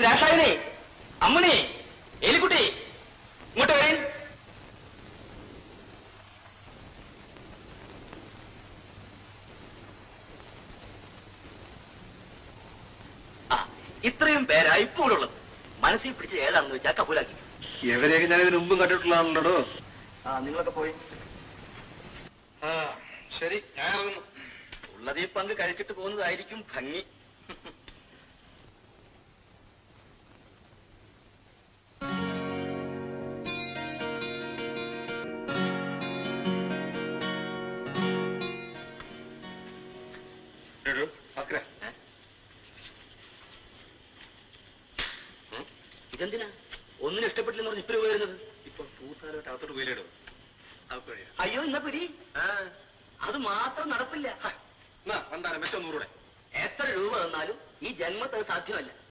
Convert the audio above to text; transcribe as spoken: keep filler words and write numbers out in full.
രാസായനെ, അമ്മണി, എലിക്കുട്ടി, ഇങ്ങോട്ട് വരേൻ. ആ, ഇത്രയും പേരാ ഇപ്പോൾ ഉള്ളത്. മനസ്സിൽ പിടിച്ച് ഏതാണെന്ന് വെച്ചാൽ കബൂലാക്കി. എവരെയൊക്കെ ഞാൻ ഇതിന് മുമ്പും കണ്ടിട്ടുള്ളതാണല്ലോ. ആ, നിങ്ങളൊക്കെ പോയി. ആ ശരി, ഞാൻ ഇറങ്ങുന്നു. ഉള്ളത് ഈ പങ്ക് കഴിച്ചിട്ട് പോകുന്നതായിരിക്കും ഭംഗി. ഇതെന്തിനാ ഒന്നിനും ഇഷ്ടപ്പെട്ടില്ലെന്ന് പറഞ്ഞ് ഇപ്പൊ വരുന്നത്? ഇപ്പൊ പൂത്താലോട്ട് അകത്തോട്ട് പോയില്ലേടോ. അയ്യോ, ഇന്ന പിടി. അത് മാത്രം നടപ്പില്ല. വണ്ടാരം മെച്ചം നൂറൂടെ. എത്ര രൂപ തന്നാലും ഈ ജന്മത്ത് അത് സാധ്യമല്ല.